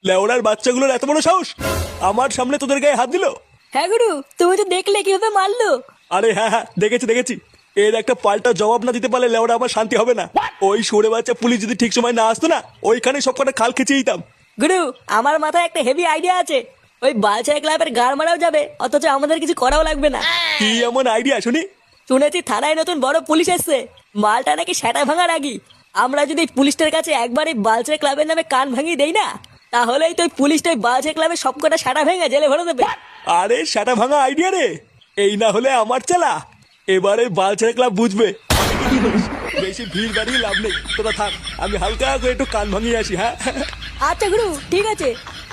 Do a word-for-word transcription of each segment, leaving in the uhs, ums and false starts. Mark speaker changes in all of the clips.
Speaker 1: লেওড়ার বাচ্চাগুলোর এত বড় সাহস আমার সামনে তোদের গায়ে হাত দিল।
Speaker 2: হ্যাঁ গুরু, তুমি তো দেখলে কিভাবে মারলো।
Speaker 1: আরে হ্যাঁ হ্যাঁ দেখেছি দেখেছি। এর একটা পাল্টা জবাব না দিতে পারলে লেওড়া আমার শান্তি হবে না। ওই সরে বাচ্চা পুলিশ যদি ঠিক সময় না আসতো না, ওইখানে সব কটা খাল খেঁচে দিতাম।
Speaker 2: গুরু, আমার মাথায় একটা হেভি আইডিয়া আছে। ওই বালছাই ক্লাবের গাড় মারাও যাবে, অথচ আমাদের কিছু করাও লাগবে না।
Speaker 1: কি এমন আইডিয়া শুনি?
Speaker 2: শুনেছি থানায় নতুন বড় পুলিশ এসছে, মালটা নাকি সেটা ভাঙার আগি। আমরা যদি পুলিশটার কাছে একবার এই বালছাই ক্লাবের নামে কান ভাঙিয়ে দেই না, তাহলেই তো ওই পুলিশটা ওই বালছাই ক্লাবের সবকটা সাটা ভেঙে জেলে ভরে দেবে।
Speaker 1: আরে সেটা ভাঙা আইডিয়া রে, এই না হলে আমার চালা। এবারে বালছেড়ে ক্লাব বুঝবে। বেশি ভিড় বাড়িয়ে লাভ নেই, তোরা থাক, আমি হালকা করে একটু কান ভাঙিয়ে আসি। হ্যাঁ
Speaker 2: আচ্ছা গুরু, ঠিক আছে।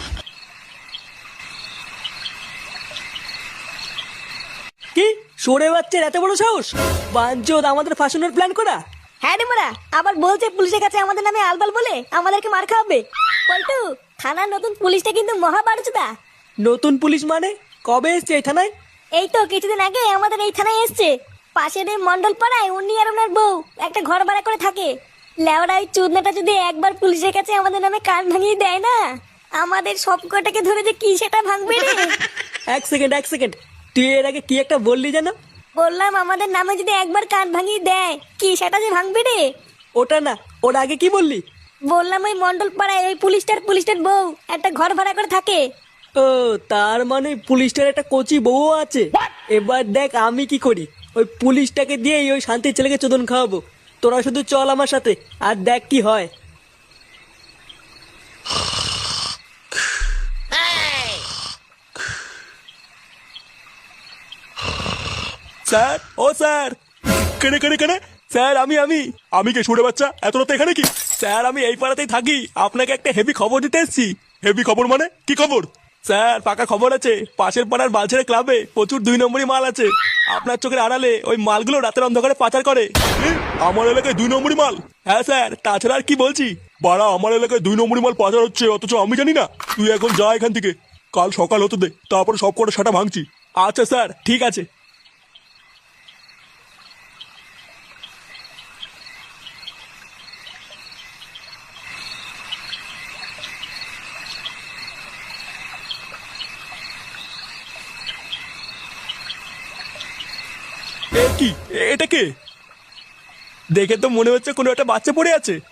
Speaker 2: কি সরে বাচ্চার এত বড় সাহস! বাঞ্চোদ আমাদের ফাঁসানোর প্ল্যান করা।
Speaker 3: হ্যাঁ রে মোরা, আবার বলছে পুলিশের কাছে আমাদের নামে আলবাল বলে আমাদেরকে মার খাওয়াবে। পল্টু, থানার নতুন পুলিশটা কিন্তু মহা বারুচুদা।
Speaker 2: নতুন পুলিশ মানে? কবে এসছে এই থানায়?
Speaker 3: এই তো কিছুদিন আগে আমাদের এই থানায় এসছে। পাশের এই মন্ডল পাড়ায় উনি আর ওনার বউ একটা ঘর ভাড়া করে থাকে। লেওড়া ওই চুদনাটা যদি একবার পুলিশের কাছে আমাদের নামে কান ভাঙিয়ে দেয় না, আমাদের সব কটাকে ধরে যে কি সেটা ভাঙবে রে।
Speaker 2: এক সেকেন্ড এক সেকেন্ড, তুই এর আগে কি একটা বললি যেন?
Speaker 3: বললাম আমাদের নামে যদি একবার কান ভাঙিয়ে দেয়, কি সেটা যে ভাঙবে রে।
Speaker 2: ওটা না, ওর আগে কি বললি?
Speaker 3: বললাম ওই মন্ডল পাড়ায় ওই পুলিশটার পুলিশটার বউ একটা ঘর ভাড়া করে থাকে।
Speaker 2: ও, তার মানে পুলিশটার একটা কচি বউ আছে। এবার দেখ আমি কি করি। ওই পুলিশটাকে দিয়ে ওই শান্তির ছেলেকে চোদন খাওয়াবো। তোরা শুধু চল আমার সাথে, আর দেখ কি হয়।
Speaker 1: স্যার, ও স্যার, কেনে কেনে কেনে স্যার, আমি আমি আমি কে সরে বাচ্চা, এত রাতে এখানে কি? স্যার আমি এই পাড়াতেই থাকি, আপনাকে একটা হেভি খবর দিতে এসেছি। হেভি খবর মানে কি খবর? স্যার পাকা খবর আছে, পাশের পাড়ার বালছেড়ে ক্লাবে প্রচুর দুই নম্বরই মাল আছে। আপনার চোখের আড়ালে ওই মালগুলো রাতের অন্ধকারে পাচার করে। এ, আমার এলাকায় দুই নম্বরই মাল? হ্যাঁ স্যার, তাছাড়া আর কি বলছি। বাড়া, আমার এলাকায় দুই নম্বরই মাল পাচার হচ্ছে, অথচ আমি জানি না। তুই এখন যা এখান থেকে, কাল সকাল হতে দে, তারপরে সব কটা সাটা ভাঙছি। আচ্ছা স্যার, ঠিক আছে। এ কি, এটা কে? দেখে তো মনে হচ্ছে কোনো একটা বাচ্চা পড়ে আছে।